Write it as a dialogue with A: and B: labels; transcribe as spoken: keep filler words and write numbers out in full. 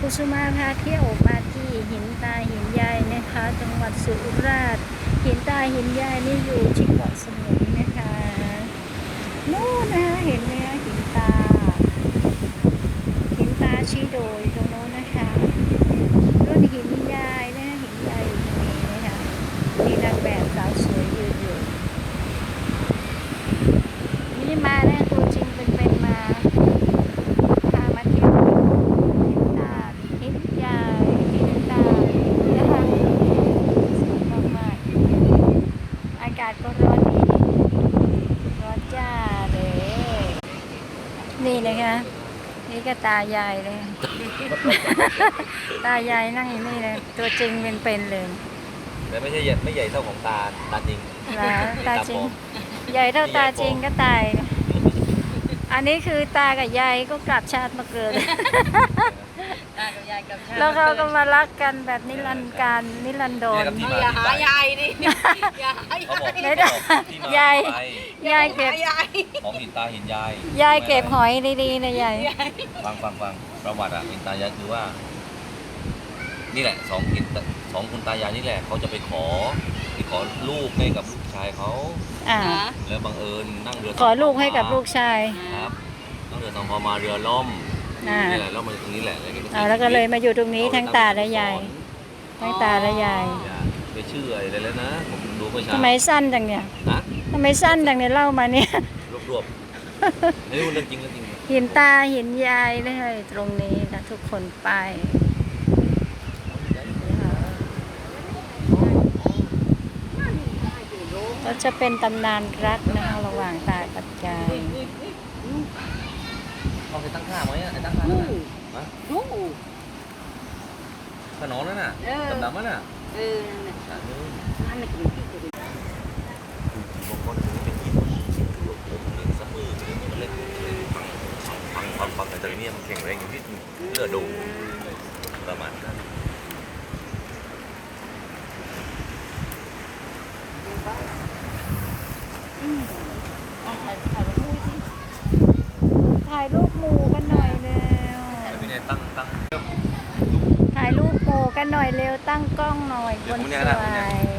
A: กุสุมาพาเที่ยวมาที่หินตาหินยายนะคะจังหวัดสุราษฎร์หินตาหินยายนี่อยู่ที่เกาะสมุยนะคะนู่นนะคะเห็นไหมคะหินตาหินตาชี้โดยตรงโน้นนะคะรุ่นหินยายนะหินยายอยู่ตรงนี้นะคะมีนางแบบสาวสวยยืนอยู่นี่มานะตัวจริงเป็นเป็นมาพามาเที่ยวหินตาหินยายหินตานะคะสวยมากๆอากาศก็ร้อนดีร้อนจ้าเลยนี่นะคะนี่ก็ตายายเลย ตายายนั่งอยู่นี่เลยตัวจริงเป็นๆเลย
B: แต่ไม่ใช่ใหญ่ไม่ใหญ่เท่าของตาตาจริง
A: นะตาจริงใหญ่เท่าตาจริงก็ตายนะอันนี้คือตากับยายก็กลับชาติมาเกิด
C: ตากับยายกับชาติ
A: แล้วเขาก็มารักกันแบบนิรันดร์การนิรันดร
C: อย่าหายายดิอย่าหาย
B: เขาบอก
A: ไม่ได้
B: ที่มาย
A: าย
B: ไป
A: ยายเก็บ
C: ยาย
B: ของหินตาหินยาย
A: ยายเก็บหอยดีๆนะยาย
B: ฟังฟังฟังประวัติอ่ะหินตายายคือว่า นี่แหละสองหินตาสองคุณตายายนี่แหละเขาจะไปขอไปขอลูกให้กับลูกชายเขา
A: อ่า
B: แล้วบังเอิญนั่งเรือ
A: ขอลูกให้กับลูกชาย
B: ครับนั่งเรือสองพอมาเรือล่ม
A: อ่า
B: นี่แหละแล้วมาตรงนี้แหละ
A: อ่าแล้วก็เลยมาอยู่ตรงนี้ทั้งตาและยายทั้งตาและยาย
B: อย่าไปชื่ออะไรแล้วนะผมดูเมื่อเช้า
A: ทำไมสั้นจังเนี่ย
B: นะ
A: ทำไมสั้นจังเนี่ยเล่ามาเนี่ย
B: รวบรวบๆนี่เรื่องจริงเรื่องจริง
A: หินตาหินยายเลยตรงนี้นะทุกคนไปก็จะเป็นตำนานรักนะคะระหว่างตากับยาย
B: เขาไปตั้งท่าไหมอ่ะไอ้ตั้งท่านั่นน่ะฮะ
C: โอ้
B: ขนอนนั่นน่ะดำๆนั่นน่ะ
C: เออ
B: อ่ะเออ
C: นั่นน่ะคือที่จะ
B: บางคนถึงเป็นหินผมเลี้ยงซัมเมอร์เลยมันเล่นฟังฟังฟังฟังแต่ตัวนี้มันแข็งแรงอยู่ที่เลือดดูประมาณนั้น
A: ถ่ายรูปหมู่กันหน่อยเร็ว
B: แต่พี่เนี่ยตั้งตั้ง
A: ถ่ายรูปหมู่กันหน่อยเร็วตั้งกล้องหน่อยคนสวย